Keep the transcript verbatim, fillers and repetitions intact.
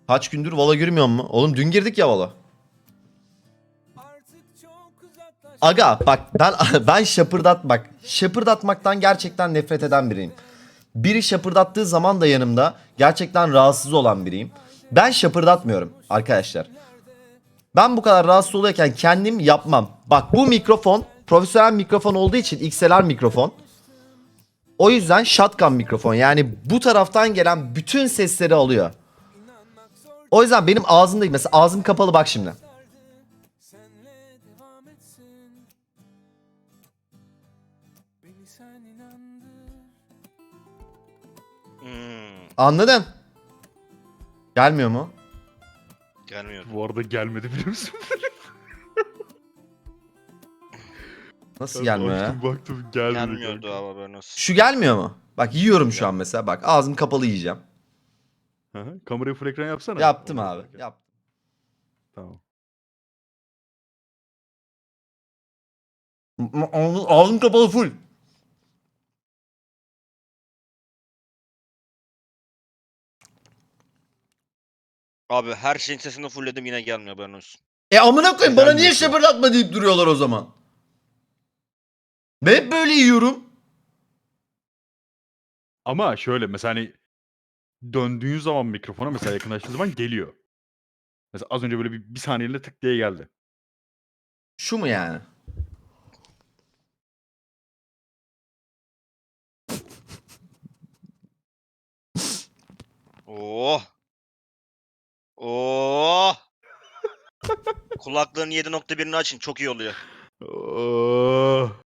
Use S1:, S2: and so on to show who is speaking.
S1: Kaç gündür Vala girmiyor mu? Oğlum dün girdik ya Vala. Aga bak ben ben şapırdat bak. Şapırdatmaktan gerçekten nefret eden biriyim. Biri şapırdattığı zaman da yanımda gerçekten rahatsız olan biriyim. Ben şapırdatmıyorum arkadaşlar. Ben bu kadar rahatsız oluyorken kendim yapmam. Bak bu mikrofon profesyonel mikrofon olduğu için X L R mikrofon. O yüzden shotgun mikrofon, yani bu taraftan gelen bütün sesleri alıyor. O yüzden benim ağzım değil. Mesela ağzım kapalı bak şimdi.
S2: Hmm,
S1: Anladın? Gelmiyor mu?
S2: gelmiyor.
S3: Bu arada gelmedi biliyor musun?
S1: Nasıl
S3: Ben
S1: gelmiyor ya?
S3: açtım baktım gelmedi.
S2: Gelmiyordu
S3: kanka.
S2: abi haberin olsun.
S1: Şu gelmiyor mu? Bak yiyorum şu an mesela. Bak ağzım kapalı yiyeceğim.
S3: Hı hı. Kamerayı full ekran yapsana.
S1: Yaptım
S3: Ondan
S1: abi.
S3: sonra.
S1: Yaptım.
S3: Tamam.
S1: Ağzım, ağzım kapalı full.
S2: Abi her şeyin sesini fullledim yine gelmiyor haberin olsun.
S1: E amına koyayım, bana niye
S3: Gelmiyor.
S1: şapırdatma deyip duruyorlar o zaman. Ben hep böyle yiyorum.
S3: Ama şöyle mesela hani döndüğün zaman mikrofona mesela yakınlaştığı zaman geliyor. Mesela az önce böyle bir, bir saniyeliğine tık diye geldi.
S1: Şu mu yani?
S2: Oh. Oh. Kulaklığın yedi nokta birini açın çok iyi oluyor.
S3: Oh.